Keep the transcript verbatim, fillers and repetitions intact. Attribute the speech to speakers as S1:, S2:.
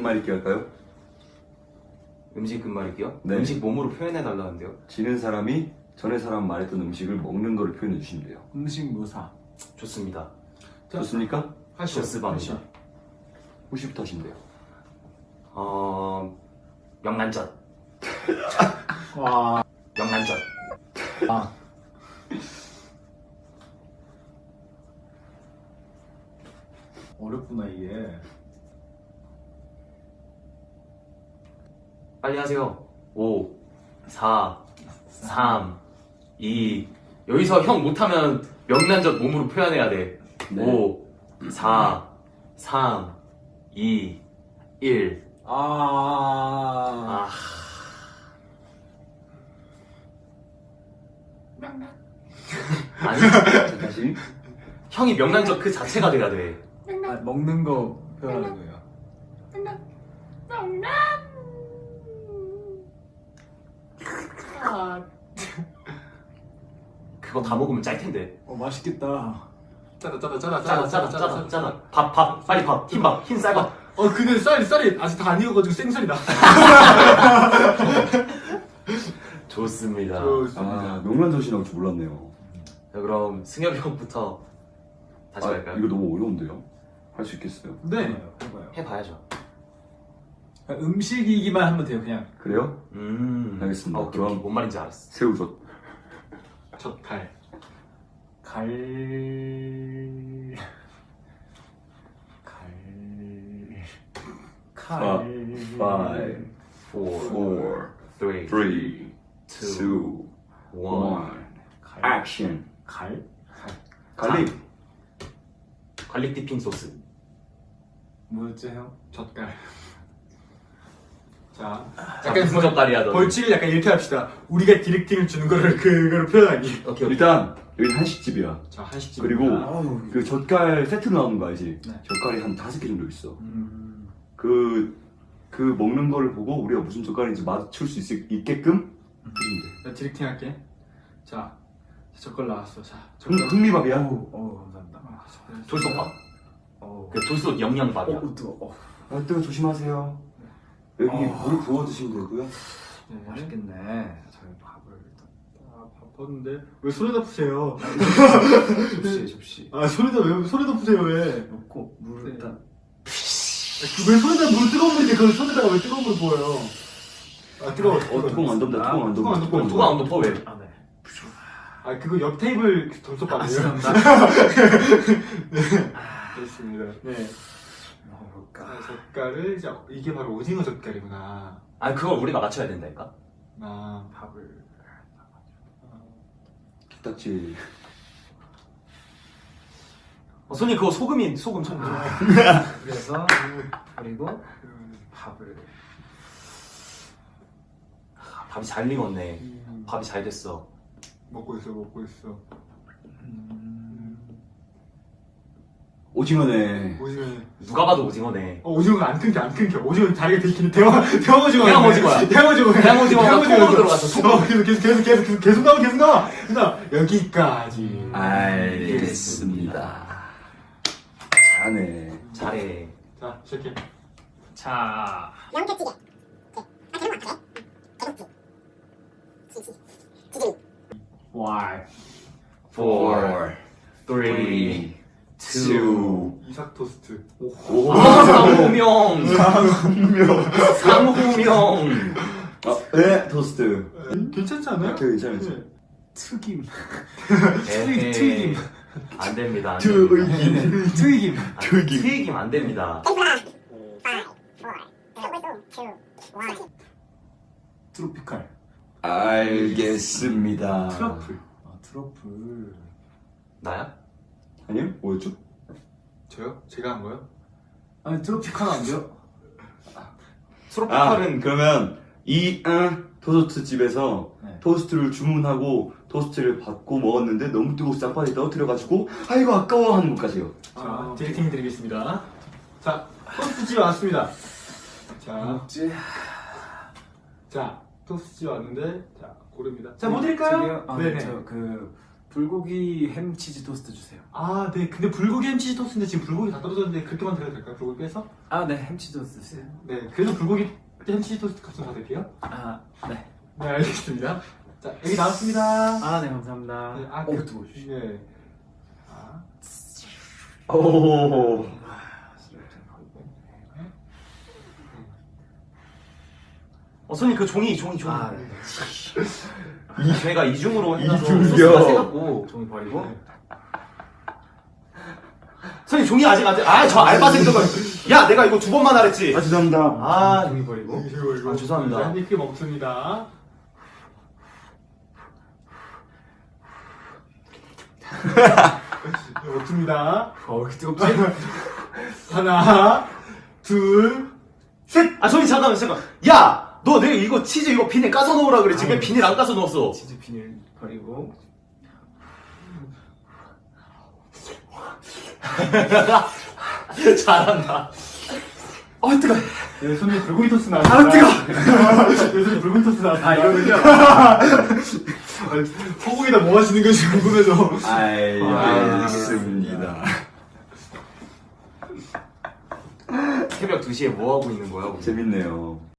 S1: 끝말잇기 할까요?
S2: 음식 끝말잇기요?
S1: 네.
S2: 음식 몸으로 표현해달라는데요?
S1: 지는 사람이 전에 사람 말했던 음식을 먹는 거를 표현해 주시면 돼요.
S3: 음식 묘사.
S2: 좋습니다.
S1: 좋습니까?
S3: 하시오.
S2: 좋습니다.
S1: 후시부터 하시면 돼요.
S2: 어... 명란젓.
S3: 와.
S2: 명란젓.
S3: 아. 어렵구나 이게.
S2: 빨리 하세요. 오, 사, 삼, 이. 여기서 형 못하면 명란젓 몸으로 표현해야 돼.
S1: 네.
S2: 오, 사, 삼, 이, 일.
S3: 아.
S2: 아. 아니,
S1: 자, 다시.
S2: 형이 명란젓 그 자체가 돼야 돼.
S3: 아, 먹는 거 표현하는 거예요.
S2: 그거 다 먹으면 짤 텐데.
S3: 어 맛있겠다.
S4: 짜다 짜다 짜다
S2: 짜다, 짜다, 짜다, 짜다. 밥, 밥, 빨리 밥, 흰밥, 흰 쌀밥.
S4: 어 근데 쌀이 쌀이 아직 다 안 익어가지고 생쌀이 나.
S2: 좋습니다.
S1: 아, 명란젓이 나올 줄 몰랐네요.
S2: 자, 그럼 승엽이 형부터 다시
S1: 아,
S2: 갈까요?
S1: 이거 너무 어려운데요? 할 수 있겠어요?
S4: 네.
S3: 해봐요.
S2: 해봐야죠.
S3: 음식이기만 하면 돼요 그냥.
S1: 그래요?
S2: 음.
S1: 알겠습니다.
S2: 어, 오케이,
S1: 그럼-
S2: 오케이. 뭔 말인지 알았어.
S1: 새우젓.
S4: 젓갈.
S3: 갈. 갈. 칼.
S1: Five,
S2: four,
S1: four,
S2: three,
S1: three,
S2: two,
S1: two,
S2: one.
S1: one.
S3: 갈.
S1: 액션.
S3: 갈.
S1: 갈릭.
S2: 갈릭 디핑 소스.
S3: 뭐였지 형?
S4: 젓갈. 자,
S2: 약간 무슨 젓갈이야 너.
S4: 벌칙을 약간 이렇게 합시다. 우리가 디렉팅을 주는 거를 그거를 표현하기.
S2: 오케이, 오케이.
S1: 일단 여기 한식집이야.
S4: 자, 한식집.
S1: 그리고
S3: 아우.
S1: 그 젓갈 세트로 나오는 거 알지?
S3: 네.
S1: 젓갈이 한 다섯 개 정도 있어.
S3: 음.
S1: 그, 그 먹는 거를 보고 우리가 무슨 젓갈인지 맞출 수 있, 있게끔 해주면 돼.
S4: 나 디렉팅 할게. 자, 젓갈 나왔어. 자,
S1: 흥,
S4: 젓갈.
S1: 흥미밥이야.
S3: 어 감사합니다.
S4: 아, 젓갈.
S2: 돌솥밥.
S3: 어.
S2: 그 돌솥 영양밥이야.
S3: 어 뜨거. 어.
S1: 아, 뜨거 조심하세요. 여기
S3: 어.
S1: 물을 부어 드시면 되고요.
S4: 네.
S3: 맛있겠네. 저희 밥을 일단.
S4: 아, 바빴는데 왜 손에다 푸세요?
S3: 접시 접시.
S4: 아, 손에다 왜 손에다 푸세요 왜?
S3: 넣고 물을
S4: 네.
S3: 일단.
S4: 왜 손에다 물 뜨거운 물인데 그걸 손에다가 왜 뜨거운 물 부어요? 아, 뜨거워.
S1: 어, 뚜껑 안 덮는다. 뚜껑 안
S4: 뚜껑 안
S1: 덮는다.
S4: 덮어.
S2: 누가 안 덮어 왜?
S3: 아 네.
S4: 아, 그거 옆 테이블 돌솥밥이에요.
S3: 감사합니다.
S4: 그렇습니다. 네.
S3: 먹어볼까.
S4: 아, 젓갈을 이제 이게 바로 오징어 젓갈이구나.
S2: 아 그걸 우리가 맞춰야 된다니까.
S4: 아,
S3: 밥을.
S1: 기딱지.
S2: 어, 손님 그거 소금이 소금 소금.
S3: 그래서 그리고 밥을.
S2: 아, 밥이 잘 익었네.
S4: 음,
S2: 밥이 잘 됐어.
S4: 먹고 있어, 먹고 있어.
S3: 음.
S1: 오징어네.
S4: 오징어.
S2: 누가 봐도 오징어네.
S4: 어, 오징어가 안 끊겨, 안 끊겨. 오징어 다리가 되게 긴데 대왕 대왕 오징어.
S2: 대왕 오징어야.
S4: 대왕 오징어.
S2: 대왕 오징어가 통으로 들어갔어, 통으로.
S4: 어, 계속 계속 계속 계속 계속 계속 나와, 계속 나와. 그다음 여기까지.
S1: 알겠습니다. 잘하네.
S2: 잘해.
S4: 자, 시작해.
S3: 자.
S5: 양태찌개. 아, 그런 거 같아. 개국지. 지지. 지지.
S3: Why?
S2: Four, three, two.
S4: 이삭 토스트.
S1: 오.
S2: 상호명. 상호명.
S1: 아, 네, 토스트.
S4: 음, 괜찮지 않아요?
S1: 오케이, 괜찮았어.
S4: 네.
S3: 튀김.
S2: 에헤이.
S3: 튀김.
S2: 안 됩니다. 안 됩니다.
S1: 튀김.
S3: 튀김.
S2: 아,
S1: 튀김.
S2: 튀김 안 됩니다.
S3: 트로피칼.
S1: 알겠습니다.
S4: 트러플.
S3: 아 트러플.
S2: 나야?
S1: 아니요? 뭐였죠?
S4: 저요? 제가 한 거요?
S3: 아니 트로피칼 안 돼요?
S1: 아,
S2: 트로피칼은
S1: 그러면 이 응, 토스트 집에서
S3: 네.
S1: 토스트를 주문하고 토스트를 받고 먹었는데 너무 뜨거워서 짬바닥에 떨어뜨려가지고 아이고 아까워 하는 것까지요.
S4: 자,
S3: 아,
S4: 디렉팅 드리겠습니다. 자, 토스트집 왔습니다. 자,
S3: 뭐지?
S4: 자, 토스트집 왔는데, 자, 고릅니다. 자, 뭐 드릴까요?
S3: 아,
S4: 네네.
S3: 저그 불고기 햄 치즈 토스트 주세요.
S4: 아, 네. 근데 불고기 햄치즈 토스트인데 지금 불고기 다 떨어졌는데 그렇게만 드려도 될까요? 불고기 빼서?
S3: 아, 네, 햄 치즈 토스트 주세요.
S4: 네. 그래도 불고기 햄치즈 토스트 값좀 받을게요.
S3: 아, 네.
S4: 네, 알겠습니다. 자, 여기 나왔습니다.
S3: 아, 네, 감사합니다.
S4: 네, 아,
S3: 어,
S4: 그-
S3: 뜨거워.
S4: 네. 아,
S1: 오.
S2: 어, 손님 그 종이 종이 종이.
S3: 아, 네.
S2: 이 제가 이중으로 해놔서
S1: 이중이요?
S2: 소스가 세갖고 종이 버리고. 손님 종이 아직 안 돼. 아, 저 알바생들 거. 야, 내가 이거 두 번만 하랬지.
S1: 아 죄송합니다.
S2: 아, 종이 버리고.
S4: 이거, 이거.
S2: 아, 죄송합니다.
S4: 한입 크게 먹습니다. 네, 먹습니다.
S3: 어, 왜 이렇게 뜨겁지?
S4: 하나, 둘, 셋!
S2: 아, 손님 잠깐만 잠깐. 야, 너 내가 이거 치즈 이거 비닐 까서 넣으라 그랬지. 왜 비닐 안 까서 넣었어?
S3: 치즈 비닐 버리고.
S2: 잘한다.
S3: 어, 뜨거.
S4: 네, 손님 불고기 토스트 나왔습니다.
S3: 아, 뜨거.
S4: 네, 손님 불고기 토스트 나왔습니다.
S3: 아, 이거는요?
S4: 소고기다 뭐 하시는 건지 궁금해서.
S1: 알겠습니다.
S2: 새벽 두 시에 뭐 하고 있는 거야? 우리?
S1: 재밌네요.